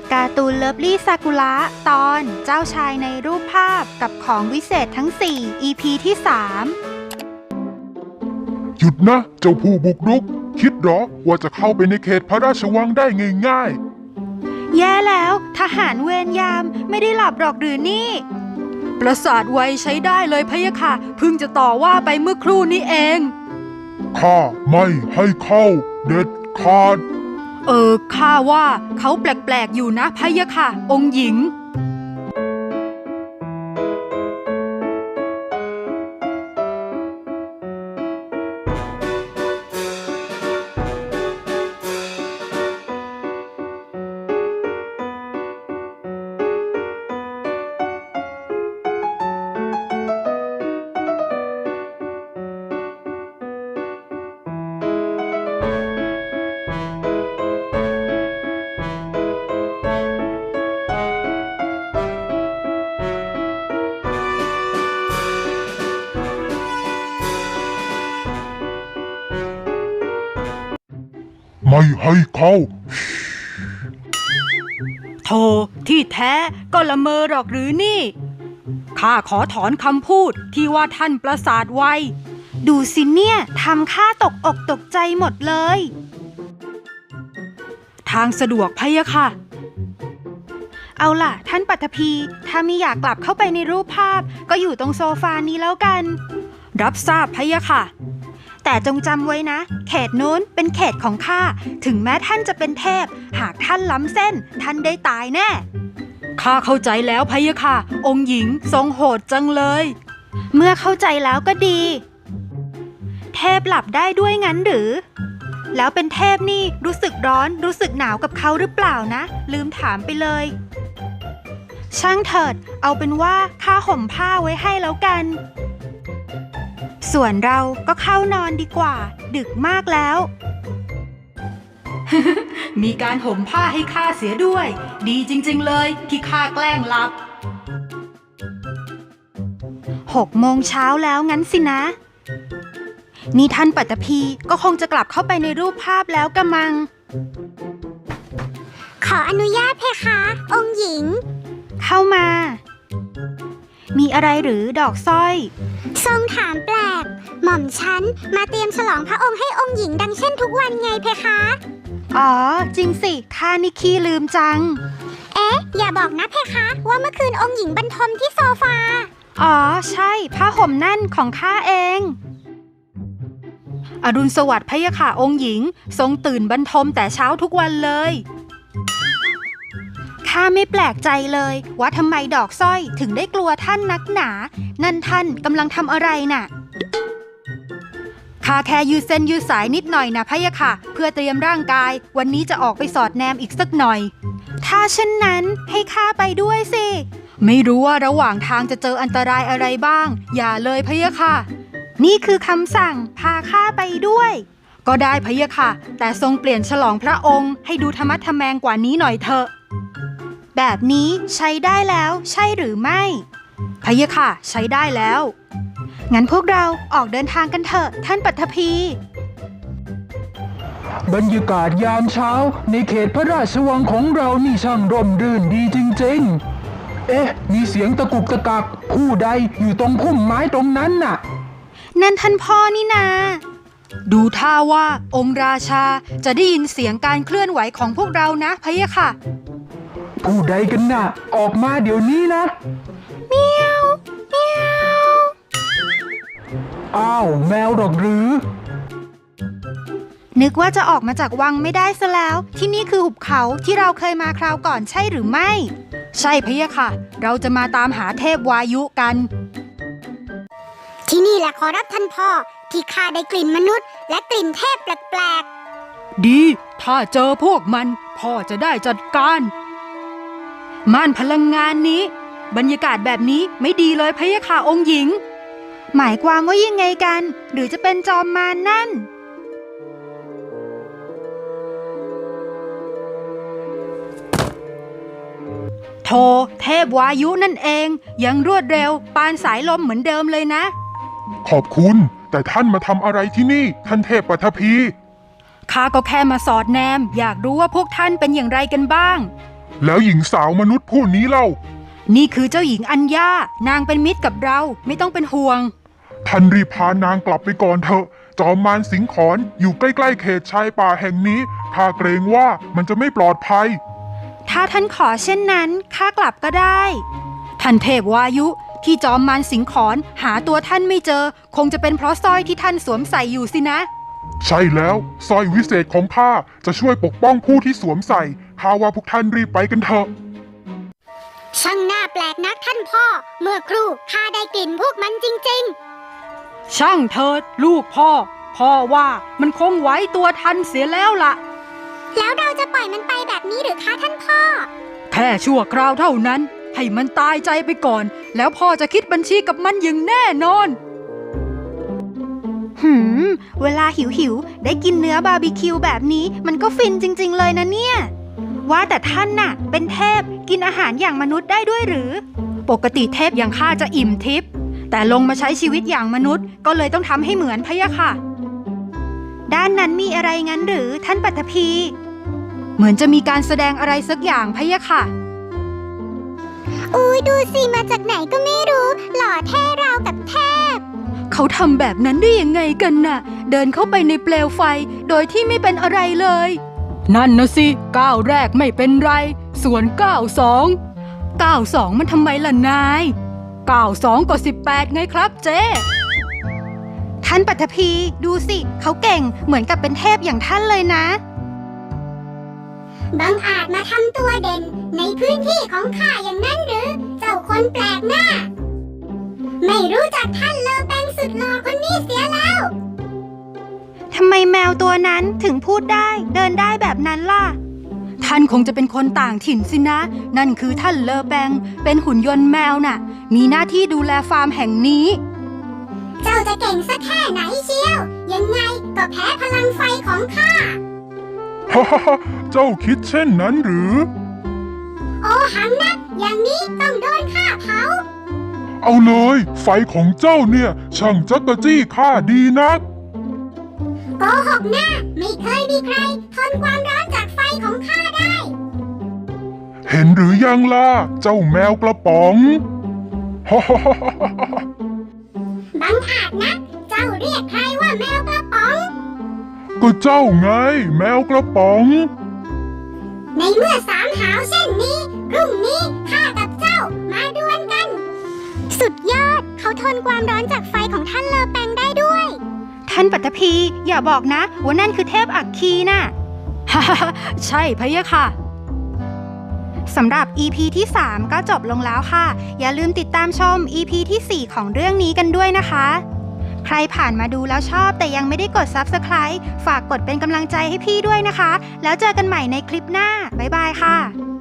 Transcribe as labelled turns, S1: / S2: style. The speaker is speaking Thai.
S1: การ์ตูนเลิฟลี่ซากุระตอนเจ้าชายในรูปภาพกับของวิเศษทั้ง 4 EP ที่
S2: หยุดนะเจ้าผู้บุกรุกคิดหรอว่าจะเข้าไปในเขตพระราชวังได้ง่าย
S1: 3 แย่แล้วทหารเวรยามไม่ได้หลับหรอกหรือนี่ปราสาทไวใช้ได้เลยพะยะค่ะเพิ่งจะต่อว่าไปเมื่อครู่นี้เอง
S2: ข้าไม่ให้เข้าเด็ดขาด
S1: ข้าว่าเขาแปลกๆอยู่นะพะยะค่ะองค์หญิง
S2: ไม่ให้เข้า
S1: โธ่ที่แท้ก็ละเมอหรอกหรือนี่ข้าขอถอนคำพูดที่ว่าท่านประสาทไวดูสิเนี่ยทำข้าตกอกตกใจหมดเลยทางสะดวกพะยะค่ะเอาล่ะท่านปัทภีถ้าไม่อยากกลับเข้าไปในรูปภาพก็อยู่ตรงโซฟานี้แล้วกันรับทราบพะยะค่ะแต่จงจำไว้นะเขตนู้นเป็นเขตของข้าถึงแม้ท่านจะเป็นเทพหากท่านล้ำเส้นท่านได้ตายแน่ข้าเข้าใจแล้วพะยะค่ะองค์หญิงทรงโหดจังเลยเมื่อเข้าใจแล้วก็ดีเทพหลับได้ด้วยงั้นหรือแล้วเป็นเทพนี่รู้สึกร้อนรู้สึกหนาวกับเขาหรือเปล่านะลืมถามไปเลยช่างเถิดเอาเป็นว่าข้าห่มผ้าไว้ให้แล้วกันส่วนเราก็เข้านอนดีกว่าดึกมากแล้ว มีการห่มผ้าให้ข้าเสียด้วยดีจริงๆเลยที่ข้าแกล้งหลับ6 โมงเช้าแล้วงั้นสินะนี่ท่านปัตภีก็คงจะกลับเข้าไปในรูปภาพแล้วกะมัง
S3: ขออนุญาตเพคะ องค์หญิง
S1: เข้ามามีอะไรหรือดอกสร้อย
S3: ทรงถามแปลกหม่อมฉันมาเตรียมฉลองพระองค์ให้องค์หญิงดังเช่นทุกวันไงเพคะ
S1: อ๋อจริงสิข้านี่ขี้ลืมจัง
S3: อย่าบอกนะเพคะว่าเมื่อคืนองค์หญิงบรรทมที่โซฟา
S1: อ๋อใช่ผ้าห่มนั่นของข้าเองอรุณสวัสดิ์พะยะค่ะองค์หญิงทรงตื่นบรรทมแต่เช้าทุกวันเลยข้าไม่แปลกใจเลยว่าทำไมดอกสร้อยถึงได้กลัวท่านนักหนานั่นท่านกำลังทำอะไรน่ะข้าแค่ยืดเส้นยืดสายนิดหน่อยนะพะยะค่ะเพื่อเตรียมร่างกายวันนี้จะออกไปสอดแนมอีกสักหน่อยถ้าเช่นนั้นให้ข้าไปด้วยสิไม่รู้ว่าระหว่างทางจะเจออันตรายอะไรบ้างอย่าเลยพะยะค่ะนี่คือคำสั่งพาข้าไปด้วยก็ได้พะยะค่ะแต่ทรงเปลี่ยนฉลองพระองค์ให้ดูธรรมะทแมงกว่านี้หน่อยเถอะแบบนี้ใช้ได้แล้วใช่หรือไม่พะยะค่ะใช้ได้แล้วงั้นพวกเราออกเดินทางกันเถอะท่านปัทภี
S4: บรรยากาศยามเช้าในเขตพระราชวังของเรานี่ช่างร่มรื่นดีจริงๆมีเสียงตะกุกตะกักผู้ใดอยู่ตรงพุ่มไม้ตรงนั้นน่ะ
S1: นั่นท่านพ่อนี่นาดูท่าว่าองค์ราชาจะได้ยินเสียงการเคลื่อนไหวของพวกเรานะพะยะค่ะ
S4: ผู้ใดกันน่ะออกมาเดี๋ยวนี้นะ
S1: เมียวเมียว
S4: อ้าวแมวหรอกหรือ
S1: นึกว่าจะออกมาจากวังไม่ได้ซะแล้วที่นี่คือหุบเขาที่เราเคยมาคราวก่อนใช่หรือไม่ใช่พะยะค่ะเราจะมาตามหาเทพวายุกัน
S3: ที่นี่แหละขอรับท่านพ่อที่ข้าได้กลิ่นมนุษย์และกลิ่นเทพแปลก
S1: ๆดีถ้าเจอพวกมันพ่อจะได้จัดการม่านพลังงานนี้บรรยากาศแบบนี้ไม่ดีเลยพะยะค่ะองค์หญิงหมายความว่ายังไงกันหรือจะเป็นจอมมารนั่นโธ่เทพวายุนั่นเองยังรวดเร็วปานสายลมเหมือนเดิมเลยนะ
S2: ขอบคุณแต่ท่านมาทำอะไรที่นี่ท่านเทพปัทภี
S1: ข้าก็แค่มาสอดแนมอยากรู้ว่าพวกท่านเป็นอย่างไรกันบ้าง
S2: แล้วหญิงสาวมนุษย์ผู้นี้เล่า
S1: นี่คือเจ้าหญิงอัญญานางเป็นมิตรกับเราไม่ต้องเป็นห่วง
S2: ท่านรีบพานางกลับไปก่อนเถอะ จอมมารสิงขอนอยู่ใกล้ๆเขตชายป่าแห่งนี้ข้าเกรงว่ามันจะไม่ปลอดภัย
S1: ถ้าท่านขอเช่นนั้นข้ากลับก็ได้ ท่านเทพวายุที่จอมมารสิงขอนหาตัวท่านไม่เจอ คงจะเป็นเพราะสร้อยที่ท่านสวมใส่อยู่สินะ
S2: ใช่แล้วสร้อยวิเศษของข้าจะช่วยปกป้องผู้ที่สวมใส่ข้าว่าพวกท่านรีบไปกันเถอะ
S3: ช่างน่าแปลกนักท่านพ่อ เมื่อครู่ข้าได้กลิ่นพวกมันจริง
S1: ช่างเถิดลูกพ่อ พ่อว่ามันคงไหวตัวทันเสียแล้วล่ะ
S3: ๆ แล้วเราจะปล่อยมันไปแบบนี้หรือคะท่านพ่อ
S1: แค่ชั่วคราวเท่านั้น ให้มันตายใจไปก่อน แล้วพ่อจะคิดบัญชีกับมันอย่างแน่นอนเวลาหิวได้กินเนื้อบาร์บีคิวแบบนี้มันก็ฟินจริงๆเลยนะเนี่ย ว่าแต่ท่านน่ะ เป็นเทพกินอาหารอย่างมนุษย์ได้ด้วยหรือ ปกติเทพอย่างข้าจะอิ่มทิพย์แต่ลงมาใช้ชีวิตอย่างมนุษย์ก็เลยต้องทำให้เหมือนพะยะค่ะ ด้านนั้นมีอะไรงั้นหรือท่านปัทภีเหมือนจะมีการแสดงอะไรสักอย่างพะยะค่ะ
S3: อุ้ยดูสิมาจากไหนก็ไม่รู้ หล่อเท่ราวกับเทพ
S1: เขาทำแบบนั้นได้ยังไงกันน่ะ เดินเข้าไปในเปลวไฟโดยที่ไม่เป็นอะไรเลย นั่นนะสิก้าวแรกไม่เป็นไร ส่วน92มันทำไมล่ะนาย92ก็18ไงครับเจ๊ท่านปัทภีดูสิเขาเก่งเหมือนกับเป็นเทพอย่างท่านเลยนะ
S3: บังอาจมาทำตัวเด่นในพื้นที่ของข้าอย่างนั้นหรือ เจ้าคนแปลกหน้า ไม่รู้จักท่านเลอแปงสุดหล่อคนนี้เสียแล้ว
S1: ทำไมแมวตัวนั้นถึงพูดได้เดินได้แบบนั้นล่ะ ท่านคงจะเป็นคนต่างถิ่นสินะ นั่นคือท่านเลอแบงเป็นหุ่นยนต์แมวน่ะ มีหน้าที่ดูแลฟาร์มแห่งนี้
S3: เจ้าจะเก่งสักแค่ไหนเชียว ยังไงก็แพ้พลังไฟของข้า
S2: ฮ่าฮ่าฮ่าเจ้าคิดเช่นนั้นหรือ
S3: โอหังนักอย่างนี้ต้องโดนข้าเผา
S2: เอาเลย ไฟของเจ้าเนี่ย ช่างจักกะจี้ข้าดีนัก
S3: โกหกหน้าไม่เคยมีใครทนความร้อนจากไฟของข้าได้
S2: เห็นหรือยังล่ะ เจ้าแมวกระป๋องฮ่าฮ่าฮ่าฮ่าฮ่า
S3: บังอาจนัก เจ้าเรียกใครว่าแมวกระป๋อง
S2: ก็เจ้าไง แมวกระป๋อง
S3: ในเมื่อสามหาวเช่นนี้พรุ่งนี้ข้ากับเจ้ามาดวลกัน สุดยอดเขาทนความร้อนจากไฟของท่านเลอแปงได้ด้วย
S1: ท่านปัทภีอย่าบอกนะว่านั่นคือเทพอัคคีน่ะ ฮ่าฮ่าฮ่าใช่พะยะค่ะ สำหรับ EP ที่ 3 ก็จบลงแล้วค่ะ อย่าลืมติดตามชม EP ที่ 4 ของเรื่องนี้กันด้วยนะคะ ใครผ่านมาดูแล้วชอบแต่ยังไม่ได้กด Subscribe ฝากกดเป็นกำลังใจให้พี่ด้วยนะคะ แล้วเจอกันใหม่ในคลิปหน้า บ๊ายบายค่ะ